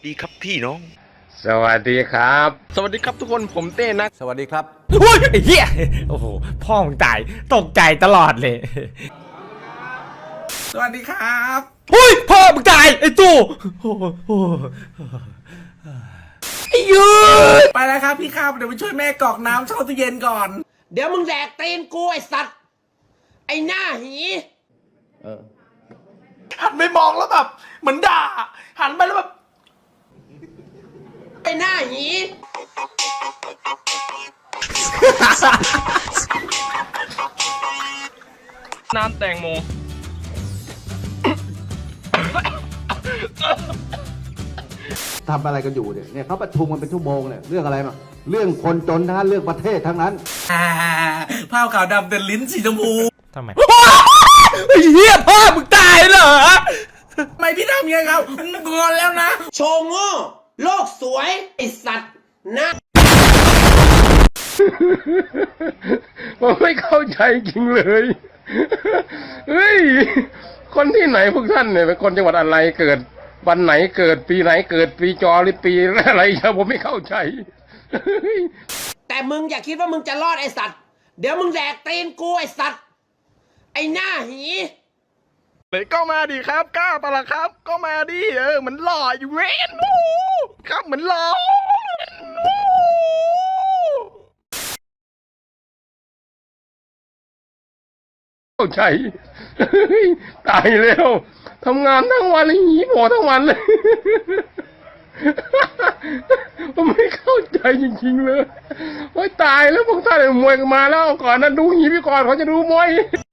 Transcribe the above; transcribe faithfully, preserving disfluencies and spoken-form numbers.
ดีครับพี่น้องสวัสดีครับสวัสดีครับทุกคนผมเต้นะสวัสดีครับอุ้ยไอ้เหี้ยโอ้โหพ่อมึงตายตกใจตลอดเลยสวัสดีครับอุ้ยพ่อมึงตายไอ้ตู้โอ้โหไอ้ยืดไปแล้วครับพี่ครับเดี๋ยวไปช่วยแม่กรอกน้ำเข้าตู้เย็นก่อนเดี๋ยวมึงแดกตีนกูไอ้สัตว์ไอ้หน้าหีเออหันไปมองแล้วแบบเหมือนด่าหันไปแล้วแบบไอ้หน้าหีน้ำแตงโมทำอะไรกันอยู่เนี่ยเนี่ยเขาประชุมกันเป็นชั่วโมงเนี่ยเรื่องอะไรมาเรื่องคนจนทั้งนั้นเรื่องประเทศทั้งนั้นผ้าขาวดำเดินลิ้นสีชมพูทำไมไอ้เหี้ยพ่อมึงตายเหรอทำไมพี่ทำยังไงครับงอนแล้วนะโชว์โง่โลกสวยไอ้สัตว์นะผมไม่เข้าใจจริงเลยเฮ้ยคนที่ไหนพวกท่านเนี่ยเป็นคนจังหวัดอะไรเกิดวันไหนเกิดปีไหนเกิดปีจอหรือปีอะไรผมไม่เข้าใจแต่มึงอย่าคิดว่ามึงจะรอดไอ้สัตว์เดี๋ยวมึงแดกตีนกูไอ้สัตว์ไอ้หน้าหีเลยก็มาดิครับกล้าปะล่ะครับก็มาดิเออเหมือนหล่ออยู่เว้นครับเหมือนหล่อเข้าใจตายแล้วทำงานทั้งวันเลยหีหมอทั้งวันเลยผมไม่เข้าใจจริงๆเลยโอ้ยตายแล้วพวกท่านมวยกันมาแล้วก่อนนั้นดูหีพี่ก่อนเขาจะดูมวย